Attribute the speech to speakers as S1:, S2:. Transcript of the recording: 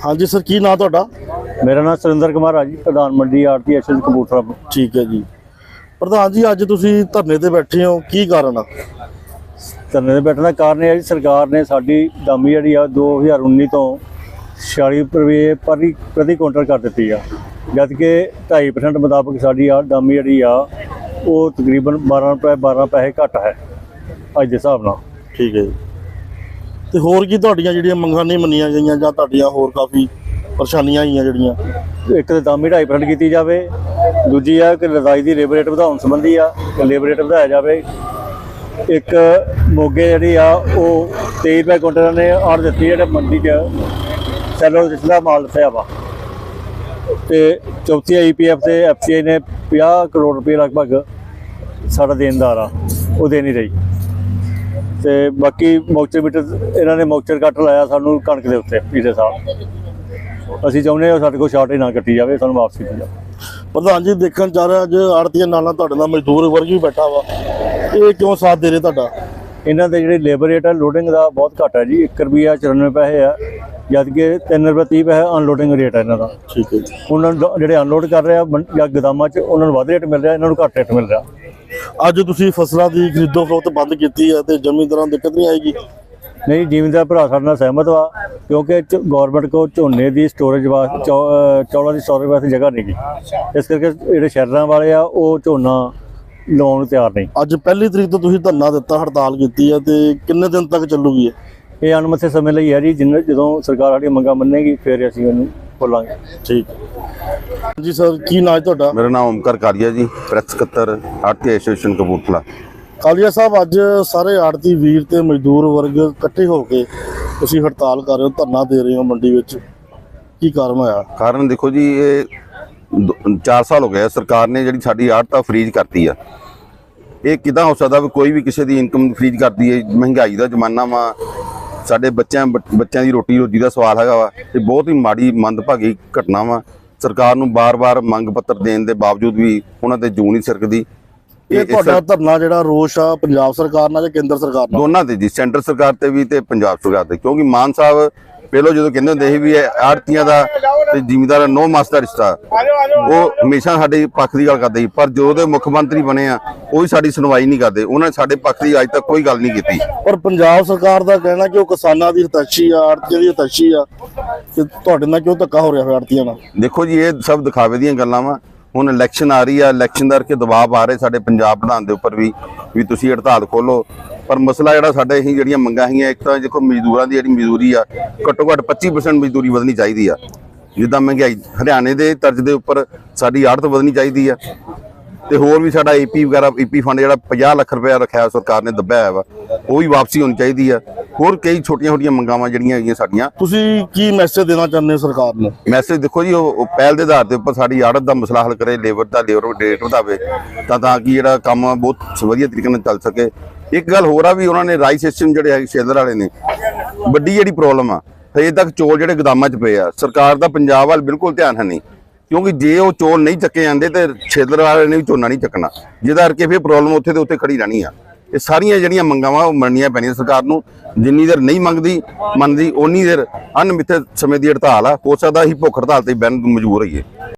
S1: हाँ जी सर, की नाम तुहाडा?
S2: मेरा नाम सुरेंद्र कुमार है जी, प्रधान मंडी आड़ती एसएस कपूरथला।
S1: ठीक है जी। प्रधान जी, अज तुसीं धरने ते बैठे हो, की कारण आ?
S2: धरने ते बैठने का कारण है जी, सरकार ने साडी दामी जी 2019 तो 46 रुपये प्रति कुंटल कर दी है, जबकि 2.5% मुताबिक साडी दामी जी वो तकरीबन 12 पैसे घट है अज के हिसाब नाल।
S1: ठीक है जी। ते होर की तुहाडीਆਂ ਜਿਹੜੀਆਂ ਮੰਗਾਂ नहीं मन्नियां गईयां ਜਾਂ ਤੁਹਾਡੀਆਂ ਹੋਰ काफ़ी परेशानियां आईयां ਜਿਹੜੀਆਂ?
S2: एक तो दामी 2.5% की जाए, दूजी है कि लदाई की लेबर रेट ਵਧਾਉਣ संबंधी आ कि लेबर रेट ਵਧਾਇਆ जाए। एक मोगे जी 23 रुपये कुंटल ने आड़ दी है मंडी च सैलो जिसका माल दसाया वा। तो चौथी IPF से FCI ने 50 करोड़ रुपये लगभग साड़ा देनदार आ वो दे नहीं रही। तो बाकी मौचर मीटर इन्होंने मौचर कट लाया सानू कणक के उत्ते पिछले साल। असीं चाहुंदे हां साडे कोल शार्टेज ना कट्टी जाए, सानू वापस की जाए।
S1: प्रधान जी देखण जा रहा अज आड़तीਆਂ ਨਾਲ ਤੁਹਾਡੇ ਨਾਲ मजदूर वर्ग भी बैठा वा, ये क्यों साथ दे रहे ਤੁਹਾਡਾ?
S2: इन्हों के ਜਿਹੜੇ लेबर रेट है लोडिंग का बहुत घट है जी, 1 रुपया 94 पैसे है, जबकि 3 रुपये 30 पैसे अनलोडिंग रेट है इन्हों का।
S1: ठीक है जी।
S2: उन्होंने ਜਿਹੜੇ अनलोड कर रहे हैं या गोदामां 'ਚ ਉਹਨਾਂ ਨੂੰ ਵੱਧ ਰੇਟ ਮਿਲ ਰਿਹਾ, ਇਹਨਾਂ ਨੂੰ ਘੱਟ ਰੇਟ ਮਿਲ ਰਿਹਾ।
S1: ਅੱਜ ਤੁਸੀਂ ਫਸਲਾਂ ਦੀ ਖਰੀਦੋ ਫਰੋਖਤ ਬੰਦ ਕੀਤੀ ਹੈ ਤੇ ਜ਼ਮੀਂਦਾਰਾਂ ਨੂੰ ਦਿੱਕਤ ਨਹੀਂ ਆਏਗੀ?
S2: नहीं, जिमीदार भरा ਸਾਡੇ ਨਾਲ सहमत वा, क्योंकि गौरमेंट को झोने की स्टोरेज वास्ते चौलों की स्टोरेज वास्ते जगह नहीं गी, इस करके ਜਿਹੜੇ ਸ਼ਹਿਰਾਂ ਵਾਲੇ ਆ ਉਹ ਝੋਨਾ ਲਾਉਣ ਨੂੰ ਤਿਆਰ ਨਹੀਂ।
S1: ਅੱਜ ਪਹਿਲੀ ਤਰੀਕ ਤੋਂ ਤੁਸੀਂ ਧਰਨਾ ਦਿੱਤਾ, ਹੜਤਾਲ ਕੀਤੀ ਹੈ ਤੇ ਕਿੰਨੇ ਦਿਨ ਤੱਕ ਚੱਲੂਗੀ
S2: ਇਹ ਅਣਮਿੱਥੇ ਸਮੇਂ ਲਈ ਹੈ ਜੀ, ਜਦੋਂ ਸਰਕਾਰ ਸਾਡੀਆਂ ਮੰਗਾਂ ਮੰਨੇਗੀ ਫਿਰ ਅਸੀਂ ਉਹਨੂੰ ਖੋਲਾਂਗੇ।
S1: ਠੀਕ जी सर, की नाम है ਤੁਹਾਡਾ?
S3: मेरा नाम ओमकार कालिया जी, प्रेस सकत्तर आड़ती एसोसीएशन कपूरथला।
S1: ਕਾਲੀਆ ਸਾਹਿਬ, ਅੱਜ ਸਾਰੇ ਆੜਤੀ ਵੀਰ ਤੇ ਮਜ਼ਦੂਰ ਵਰਗ ਇਕੱਠੇ ਹੋ ਕੇ ਤੁਸੀਂ ਹੜਤਾਲ ਕਰ ਰਹੇ ਹੋ, ਧਰਨਾ ਦੇ ਰਹੇ ਹੋ ਮੰਡੀ ਵਿੱਚ, ਕੀ ਕਾਰਨ ਹੋਇਆ?
S3: कारण देखो जी, ये 4 साल हो गए सरकार ने जी साड़ी आड़त फ्रीज करती है। ये किदा हो सकता भी कोई भी किसी की इनकम फ्रीज करती है? महंगाई का जमाना वा, साडे बच्चों की रोटी रोजी का सवाल है वा, ये बहुत ही माड़ी मंदभागी घटना वा। सरकार नूं बार-बार मंग पत्र देने के बावजूद भी उन्होंने जू नहीं सरकदी।
S1: ਇਹ ਤੁਹਾਡਾ ਧਰਨਾ ਜਿਹੜਾ ਰੋਸ਼ ਆ ਪੰਜਾਬ ਸਰਕਾਰ ਨਾਲ ਜਾਂ ਕੇਂਦਰ ਸਰਕਾਰ ਨਾਲ?
S3: ਦੋਨਾਂ ਤੇ ਜੀ, ਸੈਂਟਰ ਸਰਕਾਰ ਤੇ ਵੀ ਤੇ ਪੰਜਾਬ ਸਰਕਾਰ ਤੇ, ਕਿਉਂਕਿ ਮਾਨ ਸਾਹਿਬ ਪਹਿਲੋਂ ਜਦੋਂ ਕਹਿੰਦੇ ਹੁੰਦੇ ਸੀ ਵੀ ਇਹ ਆੜਤੀਆਂ ਦਾ ਤੇ ਜ਼ਿਮੀਂਦਾਰਾਂ ਨੋ ਮਾਸ ਦਾ ਰਿਸ਼ਤਾ, ਉਹ ਹਮੇਸ਼ਾ ਸਾਡੇ ਪੱਖ ਦੀ ਗੱਲ ਕਰਦੇ ਸੀ, ਪਰ ਜਦੋਂ ਦੇ ਮੁੱਖ ਮੰਤਰੀ ਬਣੇ ਆ ਉਹ ਵੀ ਸਾਡੀ ਸੁਣਵਾਈ ਨਹੀਂ ਕਰਦੇ, ਉਹਨਾਂ ਨੇ ਸਾਡੇ ਪੱਖ ਦੀ ਅੱਜ ਤੱਕ ਕੋਈ ਗੱਲ ਨਹੀਂ ਕੀਤੀ।
S1: ਪਰ ਪੰਜਾਬ ਸਰਕਾਰ ਦਾ ਕਹਿਣਾ ਕਿ ਉਹ ਕਿਸਾਨਾਂ ਦੀ ਹਿਤੈਸ਼ੀ ਆ, ਆੜਤੀਆਂ ਦੀ ਹਿਤੈਸ਼ੀ ਆ, ਤੇ ਤੁਹਾਡੇ ਨਾਲ ਕਿਉਂ ਧੱਕਾ ਹੋ ਰਿਹਾ ਹੈ ਆੜਤੀਆਂ ਨਾਲ?
S3: ਦੇਖੋ ਜੀ, ਇਹ ਸਭ ਦਿਖਾਵੇ ਦੀਆਂ ਗੱਲਾਂ ਵਾ। ਹੁਣ ਇਲੈਕਸ਼ਨ ਆ ਰਹੀ ਆ, ਇਲੈਕਸ਼ਨ ਕਰਕੇ ਦਬਾਅ ਆ ਰਹੇ ਸਾਡੇ ਪੰਜਾਬ ਪ੍ਰਧਾਨ ਦੇ ਉੱਪਰ ਵੀ ਤੁਸੀਂ ਹੜਤਾਲ ਖੋਲੋ, ਪਰ ਮਸਲਾ ਜਿਹੜਾ ਸਾਡੇ ਅਸੀਂ ਜਿਹੜੀਆਂ ਮੰਗਾਂ ਹੈਗੀਆਂ, ਇੱਕ ਤਾਂ ਦੇਖੋ ਮਜ਼ਦੂਰਾਂ ਦੀ ਜਿਹੜੀ ਮਜ਼ਦੂਰੀ ਆ ਘੱਟੋ ਘੱਟ 25% ਮਜ਼ਦੂਰੀ ਵਧਣੀ ਚਾਹੀਦੀ ਆ, ਜਿੱਦਾਂ ਮਹਿੰਗਾਈ ਹਰਿਆਣੇ ਦੇ ਤਰਜ਼ ਦੇ ਉੱਪਰ ਸਾਡੀ ਆੜਤ ਵਧਣੀ ਚਾਹੀਦੀ ਆ, ਤੇ ਹੋਰ ਵੀ ਸਾਡਾ EP ਫੰਡ ਜਿਹੜਾ 50 ਲੱਖ ਰੁਪਇਆ ਰੱਖਿਆ ਸਰਕਾਰ ਨੇ ਦੱਬਿਆ ਹੋਇਆ ਵਾ, ਉਹ ਵੀ ਵਾਪਸੀ ਹੋਣੀ ਚਾਹੀਦੀ ਆ। ਹੋਰ ਕਈ ਛੋਟੀਆਂ ਮੰਗਾਵਾਂ ਜਿਹੜੀਆਂ ਹੈਗੀਆਂ ਸਾਡੀਆਂ।
S1: ਤੁਸੀਂ ਕੀ ਮੈਸੇਜ ਦੇਣਾ ਚਾਹੁੰਦੇ ਹੋ ਸਰਕਾਰ ਨੂੰ?
S3: ਮੈਸੇਜ ਦੇਖੋ ਜੀ, ਉਹ ਪਹਿਲ ਦੇ ਆਧਾਰ ਦੇ ਉੱਪਰ ਸਾਡੀ ਆੜਤ ਦਾ ਮਸਲਾ ਹੱਲ ਕਰੇ, ਲੇਬਰ ਰੇਟ ਵਧਾਵੇ, ਤਾਂ ਕਿ ਜਿਹੜਾ ਕੰਮ ਬਹੁਤ ਵਧੀਆ ਤਰੀਕੇ ਨਾਲ ਚੱਲ ਸਕੇ। ਇੱਕ ਗੱਲ ਹੋਰ ਆ ਵੀ ਉਹਨਾਂ ਨੇ ਰਾਈਸ ਸਿਸਟਮ ਜਿਹੜੇ ਹੈ ਸ਼ੇਲਰ ਵਾਲੇ ਨੇ, ਵੱਡੀ ਜਿਹੜੀ ਪ੍ਰੋਬਲਮ ਆ, ਹਜੇ ਤੱਕ ਚੌਲ ਜਿਹੜੇ ਗੋਦਾਮਾਂ 'ਚ ਪਏ ਆ, ਸਰਕਾਰ ਦਾ ਪੰਜਾਬ ਵੱਲ ਬਿਲਕੁਲ ਧਿਆਨ ਹੈ ਨਹੀਂ, ਕਿਉਂਕਿ ਜੇ ਉਹ ਚੌਲ ਨਹੀਂ ਚੱਕੇ ਜਾਂਦੇ ਤੇ ਸ਼ੇਲਰ ਵਾਲੇ ਨੇ ਵੀ ਝੋਨਾ ਨਹੀਂ ਚੱਕਣਾ, ਜਿਹਦਾ ਕਰਕੇ ਫਿਰ ਪ੍ਰੋਬਲਮ ਉੱਥੇ ਦੇ ਉੱਤੇ ਖੜੀ ਰਹਿਣੀ ਆ। ਇਹ ਸਾਰੀਆਂ ਜਿਹੜੀਆਂ ਮੰਗਾਂ ਵਾ ਉਹ ਮੰਨਣੀਆਂ ਪੈਣੀਆਂ ਸਰਕਾਰ ਨੂੰ। ਜਿੰਨੀ ਦੇਰ ਨਹੀਂ ਮੰਨਦੀ ਓਨੀ ਦੇਰ ਅਣਮਿੱਥੇ ਸਮੇਂ ਦੀ ਹੜਤਾਲ ਆ, ਹੋ ਸਕਦਾ ਅਸੀਂ ਭੁੱਖ ਹੜਤਾਲ ਤੇ ਬਹਿਣ ਨੂੰ ਮਜਬੂਰ ਹੋਈਏ।